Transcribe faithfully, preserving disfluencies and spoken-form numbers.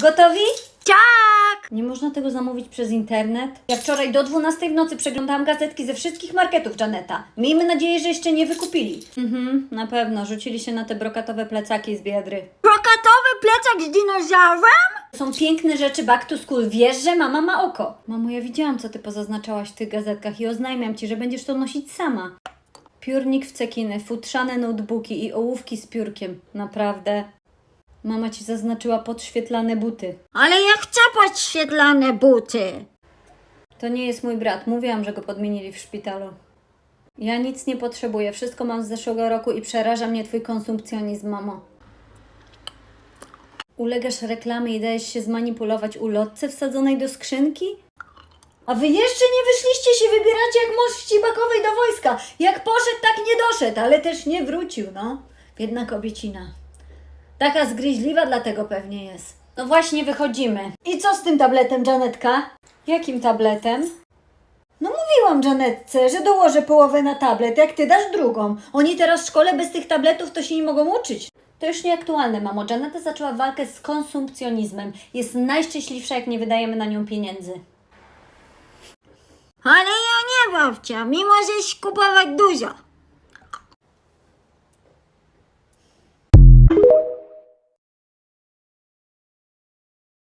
Gotowi? Tak! Nie można tego zamówić przez internet? Ja wczoraj do dwunastej w nocy przeglądałam gazetki ze wszystkich marketów Janeta. Miejmy nadzieję, że jeszcze nie wykupili. Mhm, na pewno. Rzucili się na te brokatowe plecaki z Biedry. Brokatowy plecak z dinozaurem? Są piękne rzeczy back to school. Wiesz, że mama ma oko. Mamo, ja widziałam, co ty pozaznaczałaś w tych gazetkach i oznajmiam ci, że będziesz to nosić sama. Piórnik w cekiny, futrzane notebooki i ołówki z piórkiem. Naprawdę. Mama ci zaznaczyła podświetlane buty. Ale ja chcę podświetlane buty. To nie jest mój brat. Mówiłam, że go podmienili w szpitalu. Ja nic nie potrzebuję. Wszystko mam z zeszłego roku i przeraża mnie twój konsumpcjonizm, mamo. Ulegasz reklamie i dajesz się zmanipulować ulotce wsadzonej do skrzynki? A wy jeszcze nie wyszliście, się wybieracie jak mąż wcibakowej do wojska. Jak poszedł, tak nie doszedł, ale też nie wrócił, no. Biedna kobiecina. Taka zgryźliwa dlatego pewnie jest. No właśnie, wychodzimy. I co z tym tabletem, Janetka? Jakim tabletem? No mówiłam Janetce, że dołożę połowę na tablet, jak ty dasz drugą. Oni teraz w szkole bez tych tabletów to się nie mogą uczyć. To już nieaktualne, mamo. Janeta zaczęła walkę z konsumpcjonizmem. Jest najszczęśliwsza, jak nie wydajemy na nią pieniędzy. Ale ja nie, babcia, mimo że kupować dużo.